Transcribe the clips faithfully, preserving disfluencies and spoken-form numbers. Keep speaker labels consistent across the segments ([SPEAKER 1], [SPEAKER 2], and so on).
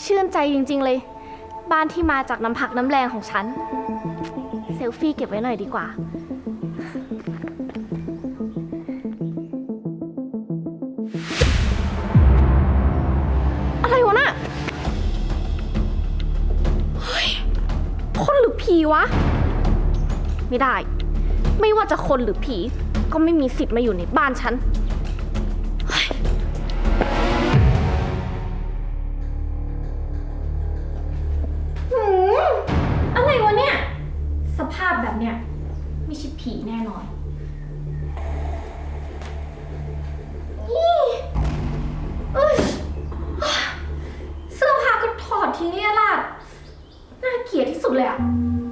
[SPEAKER 1] ชื่นใจจริงๆเลยบ้านที่มาจากน้ำพักน้ำแรงของฉันเซลฟี่เก็บไว้หน่อยดีกว่าอะไรวะน่ะเฮ้ยคนหรือผีวะไม่ได้ไม่ว่าจะคนหรือผีก็ไม่มีสิทธิ์มาอยู่ในบ้านฉันอะไรวะเนี่ยสภาพแบบเนี้ยไม่ใช่ผีแน่นอนอีเอ้ยเสื้อผ้าก็ถอดทิ้งเรี่ยราดน่าเกลียดที่สุดเลยอะ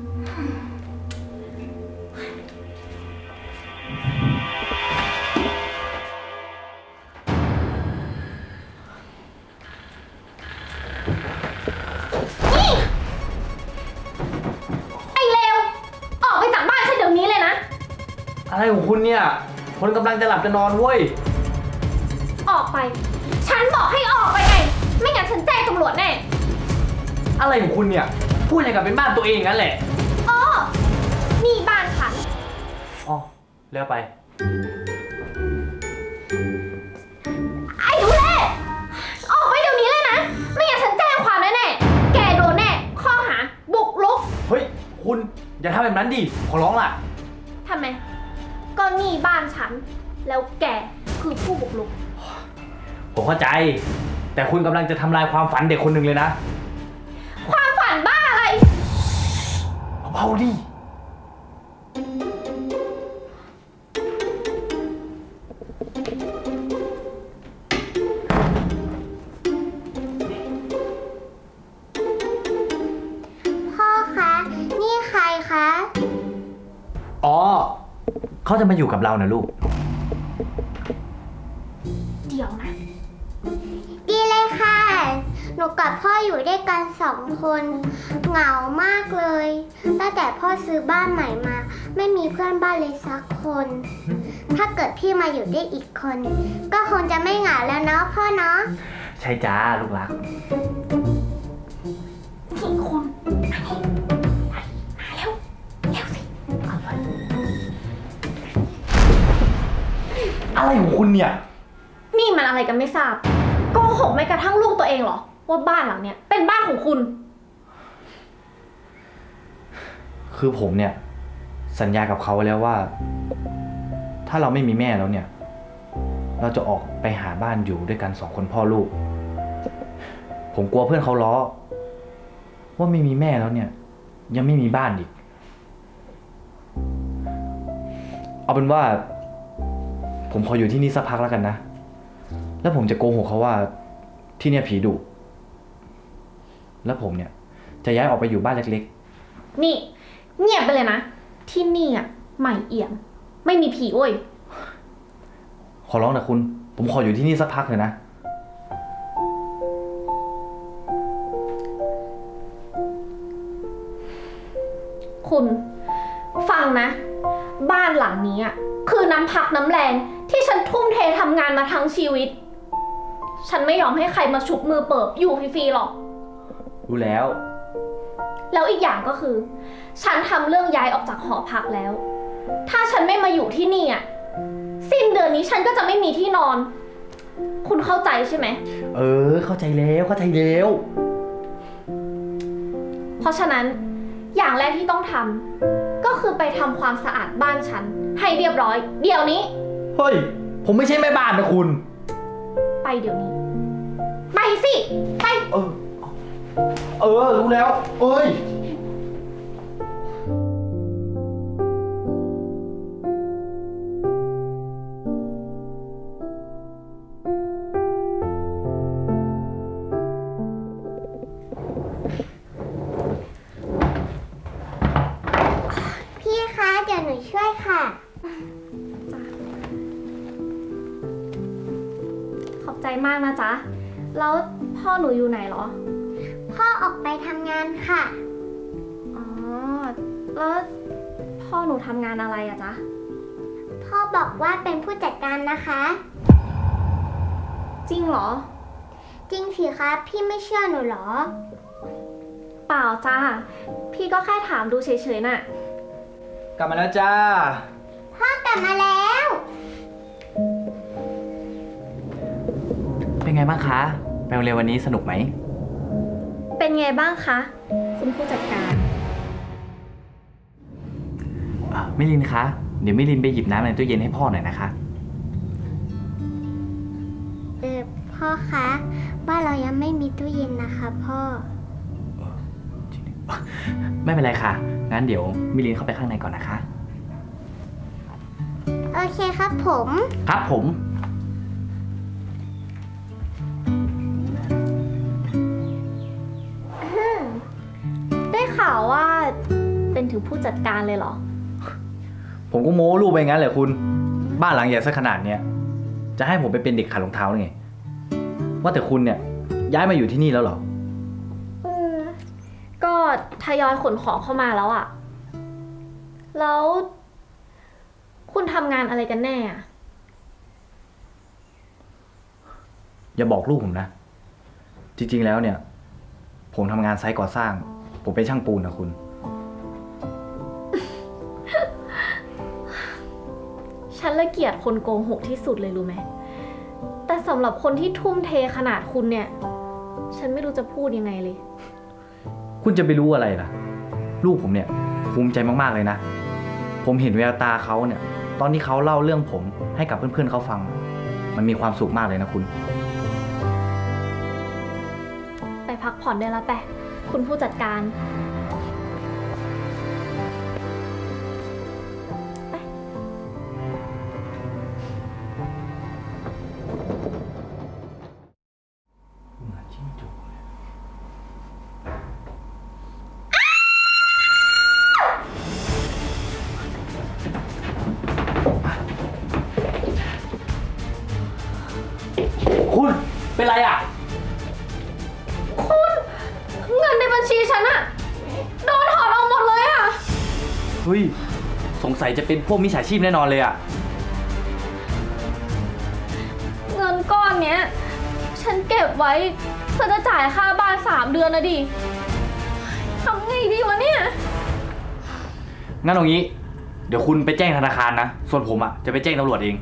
[SPEAKER 2] อะไรของคุณเนี่ยคนกำลังจะหลับจะนอนเว้ย
[SPEAKER 1] ออกไปฉันบอกให้ออกไปไงไม่งั้นฉันแจ้งตำรวจแน่
[SPEAKER 2] อะไรของคุณเนี่ยพูดอย่างกับเป็นบ้านตัวเองงั้นแหละ
[SPEAKER 1] อ๋อนี่บ้านฉัน
[SPEAKER 2] อ๋อเร็วไป
[SPEAKER 1] ไอ้ทุเรศออกไปเดี๋ยวนี้เลยนะไม่งั้นฉันแจ้งความแน่แน่แกโดนแน่ข้อหาบุกรุก
[SPEAKER 2] เฮ้ยคุณอย่าทำแบบนั้นดิขอร้องล่ะ
[SPEAKER 1] ทำไมก็นี่บ้านฉันแล้วแกคือผู้บุกรุก
[SPEAKER 2] ผมเข้าใจแต่คุณกำลังจะทำลายความฝันเด็กคนหนึ่งเลยนะ
[SPEAKER 1] ความฝันบ้าอะไร
[SPEAKER 2] เบาๆดิ
[SPEAKER 3] พ่อคะนี่ใครคะ
[SPEAKER 2] อ๋อเขาจะมาอยู่กับเรานะลูก
[SPEAKER 1] เดี๋ยวนะ
[SPEAKER 3] ดีเลยค่ะหนูกับพ่ออยู่ด้วยกันสองคนเหงามากเลยตั้งแต่พ่อซื้อบ้านใหม่มาไม่มีเพื่อนบ้านเลยสักคนถ้าเกิดพี่มาอยู่ด้วยอีกคนก็คงจะไม่เหงาแล้วเนาะพ่อเนาะ
[SPEAKER 2] ใช่จ้าลูกรัก
[SPEAKER 1] ทุกคนมาเร็วเร็วสิ
[SPEAKER 2] อะไรของคุณเนี่ย
[SPEAKER 1] นี่มันอะไรกันไม่ทราบโกหกแม้กระทั่งลูกตัวเองเหรอว่าบ้านหลังเนี้ยเป็นบ้านของคุณ
[SPEAKER 2] คือผมเนี่ยสัญญากับเขาไว้แล้วว่าถ้าเราไม่มีแม่แล้วเนี่ยเราจะออกไปหาบ้านอยู่ด้วยกันสองคนพ่อลูกผมกลัวเพื่อนเขาล้อว่าไม่มีแม่แล้วเนี่ยยังไม่มีบ้านอีกเอาเป็นว่าผมขออยู่ที่นี่สักพักแล้วกันนะแล้วผมจะโกหกเขาว่าที่เนี่ยผีดุแล้วผมเนี่ยจะย้ายออกไปอยู่บ้านเล็ก
[SPEAKER 1] ๆนี่เงียบไปเลยนะที่นี่อ่ะใหม่เอี่ยมไม่มีผีโว้ย
[SPEAKER 2] ขอร้องนะคุณผมขออยู่ที่นี่สักพักเลยนะ
[SPEAKER 1] คุณฟังนะบ้านหลังนี้อ่ะคือน้ำพักน้ำแรงที่ฉันทุ่มเททำงานมาทั้งชีวิตฉันไม่ยอมให้ใครมาฉุบมือเปิบอยู่ฟรีๆหรอก
[SPEAKER 2] รู้แล้ว
[SPEAKER 1] แล้วอีกอย่างก็คือฉันทำเรื่องย้ายออกจากหอพักแล้วถ้าฉันไม่มาอยู่ที่นี่อ่ะสิ้นเดือนนี้ฉันก็จะไม่มีที่นอนคุณเข้าใจใช่ไหม
[SPEAKER 2] เออเข้าใจแล้วเข้าใจแล้ว
[SPEAKER 1] เพราะฉะนั้นอย่างแรกที่ต้องทำก็คือไปทำความสะอาดบ้านฉันให้เรียบร้อยเดี๋ยวนี้
[SPEAKER 2] เฮ้ยผมไม่ใช่แม่บ้านนะคุณ
[SPEAKER 1] ไปเดี๋ยวนี้ไปสิไป
[SPEAKER 2] เออเออรู้แล้วเอ้ย
[SPEAKER 3] พี่คะเดี๋ยวหนูช่วยค่ะ
[SPEAKER 1] ขอบใจมากนะจ๊ะแล้วพ่อหนูอยู่ไหนเหรอ
[SPEAKER 3] พ่อออกไปทำงานค่ะ
[SPEAKER 1] อ๋อแล้วพ่อหนูทำงานอะไรอะจ๊ะ
[SPEAKER 3] พ่อบอกว่าเป็นผู้จัดการนะคะ
[SPEAKER 1] จริงเหรอ
[SPEAKER 3] จริงสิคะพี่ไม่เชื่อหนูเหรอ
[SPEAKER 1] เปล่าจ้า พี่ก็แค่ถามดูเฉยๆน่ะ
[SPEAKER 2] กลับมาแล้วจ้า
[SPEAKER 3] พ่อกลับมาแล้ว
[SPEAKER 2] เป็นไงบ้างคะไปโรงเรียนวันนี้สนุกไหม
[SPEAKER 1] เป็นไงบ้างคะ คุณผู้จัดการ
[SPEAKER 2] อ่ะมิลินคะ เดี๋ยวมิลินไปหยิบน้ำในตู้เย็นให้พ่อหน่อยนะคะ
[SPEAKER 3] เออพ่อคะบ้านเรายังไม่มีตู้เย็นนะคะพ่อ
[SPEAKER 2] ไม่เป็นไรค่ะ งั้นเดี๋ยวมิลินเข้าไปข้างในก่อนนะคะ
[SPEAKER 3] โอเคครับผม
[SPEAKER 2] ครับผม
[SPEAKER 1] ได้ข่าวว่าเป็นถึงผู้จัดการเลยเหรอ
[SPEAKER 2] ผมก็โม้ลูกไปงั้นแหละคุณ บ้านหลังใหญ่ซะขนาดเนี้ย จะให้ผมไปเป็นเด็กขัดรองเท้าหรือไง ว่าแต่คุณเนี่ยย้ายมาอยู่ที่นี่แล้วเหรอ
[SPEAKER 1] อืมก็ทยอยขนของเข้ามาแล้วอะแล้ว คุณทำงานอะไรกันแน่อะ
[SPEAKER 2] อย่าบอกลูกผมนะ จริงๆแล้วเนี่ย ผมทำงานไซต์ก่อสร้าง ผมเป็นช่างปูนนะคุณ
[SPEAKER 1] ฉันละเกียดคนโกหกที่สุดเลยรู้ไหม แต่สำหรับคนที่ทุ่มเทขนาดคุณเนี่ย ฉันไม่รู้จะพูดยังไงเลย
[SPEAKER 2] คุณจะไปรู้อะไรล่ะ ลูกผมเนี่ยภูมิใจมากๆเลยนะ ผมเห็นแววตาเขาเนี่ย ตอนที่เขาเล่าเรื่องผมให้กับเพื่อนๆเขาฟัง มันมีความสุขมากเลยนะคุณ
[SPEAKER 1] ไปพักผ่อนได้แล้วไปคุณผู้จัดการ
[SPEAKER 2] คุณเป็นไรอ่ะ
[SPEAKER 1] เงินในบัญชีฉันอะโดนถอนออกหมดเลยอะ
[SPEAKER 2] เฮ้ย สงสัยจะเป็นพวกมิจฉาชีพแน่นอนเลยอ่ะ
[SPEAKER 1] เงินก้อนเนี้ย ฉันเก็บไว้เพื่อจะจ่ายค่าบ้านสามเดือนนะดิทำไงดีวะเนี่ย
[SPEAKER 2] งั้นเอางี้ เดี๋ยวคุณไปแจ้งธนาคารนะ ส่วนผมอ่ะจะไปแจ้งตำรวจเอง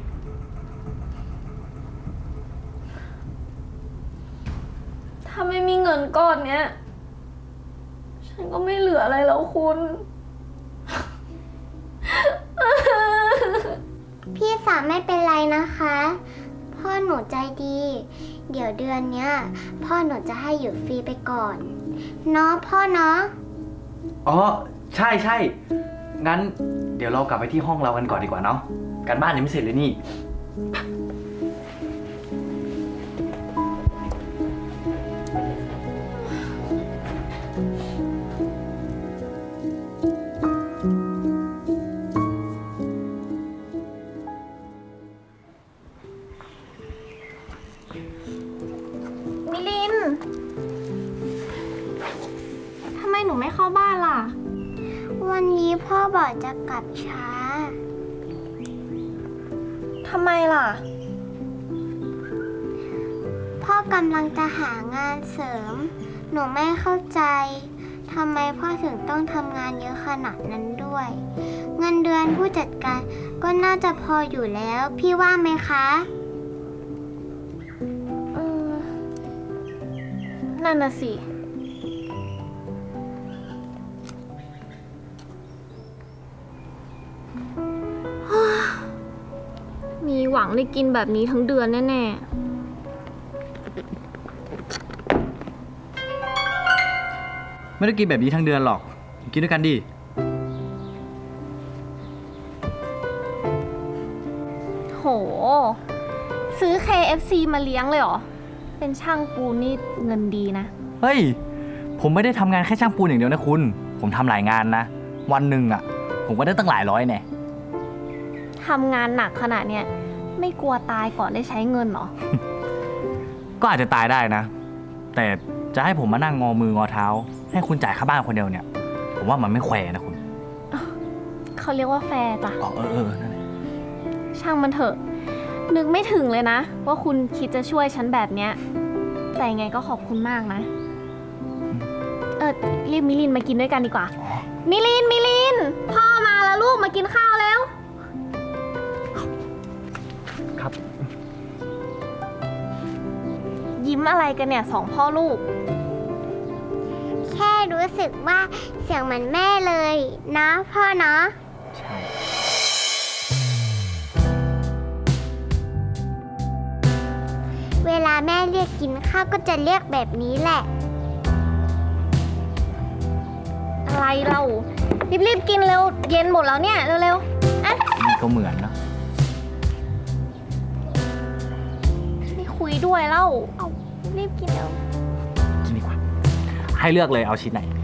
[SPEAKER 1] ถ้าไม่มีเงินก้อนเนี้ย ฉันก็ไม่เหลืออะไรแล้วคุณ
[SPEAKER 3] พี่สาวไม่เป็นไรนะคะ พ่อหนูใจดี เดี๋ยวเดือนเนี้ย พ่อหนูจะให้อยู่ฟรีไปก่อน เนาะพ่อเนาะ
[SPEAKER 2] อ๋อ ใช่ใช่ งั้นเดี๋ยวเรากลับไปที่ห้องเรากันก่อนดีกว่าเนาะ การบ้านยังไม่เสร็จเลยนี่
[SPEAKER 1] มิลิน ทำไมหนูไม่เข้าบ้านล่ะ
[SPEAKER 3] วันนี้พ่อบอกจะกลับช้า
[SPEAKER 1] ทำไมล่ะ
[SPEAKER 3] พ่อกำลังจะหางานเสริม หนูไม่เข้าใจทำไมพ่อถึงต้องทำงานเยอะขนาดนั้นด้วย เงินเดือนผู้จัดการก็น่าจะพออยู่แล้ว พี่ว่าไหมคะ
[SPEAKER 1] เออ นั่นน่ะสิ มีหวังได้กินแบบนี้ทั้งเดือนแน่
[SPEAKER 2] ไม่ได้กินแบบนี้ทั้งเดือนหรอก กินด้วยกันดิ
[SPEAKER 1] ๆ โห ซื้อ เค เอฟ ซี มาเลี้ยงเลยเหรอ เป็นช่างปูนนี่เงินดีนะ
[SPEAKER 2] เฮ้ย ผมไม่ได้ทำงานแค่ช่างปูนอย่างเดียวนะคุณ ผมทำหลายงานนะ วันหนึ่งอ่ะ ผมก็ได้ตั้งหลายร้อยแน่
[SPEAKER 1] ทำงานหนักขนาดเนี้ยไม่กลัวตายก่อนได้ใช้เงินเหรอ
[SPEAKER 2] ก็อาจจะตายได้นะ แต่จะให้ผมมานั่งงอมืองอเท้า ให้คุณจ่ายค่าบ้านคนเดียวเนี่ย ผมว่ามันไม่แควนะคุณ
[SPEAKER 1] เขาเรียกว่าแฟร์จ้ะ
[SPEAKER 2] อ๋อเออเออนั่นแหละ
[SPEAKER 1] ช่างมันเถอะ นึกไม่ถึงเลยนะ ว่าคุณคิดจะช่วยฉันแบบเนี้ยแต่ยังไงก็ขอบคุณมากนะ เออรีบมิลินมากินด้วยกันดีกว่า มิลิน มิลิน พ่อมาแล้วลูกมากินข้าวแล้ว
[SPEAKER 2] ครับ
[SPEAKER 1] ยิ้มอะไรกันเนี่ยสองพ่อลูก
[SPEAKER 3] แค่รู้สึกว่าเสียงเหมือนแม่เลยนะพ่อเนาะ
[SPEAKER 2] ใช่
[SPEAKER 3] เวลาแม่เรียกกินข้าวก็จะเรียกแบบนี้แหละ
[SPEAKER 1] อะไรเรา รีบๆกินเร็ว เย็นหมดแล้วเนี่ย เร็วๆ อ่ะ
[SPEAKER 2] นี่ก็เหมือนนะ
[SPEAKER 1] ไม่คุยด้วยเล่าเอารีบกินเร็ว
[SPEAKER 2] กินดีกว่า ให้เลือกเลยเอาชิ้นไหน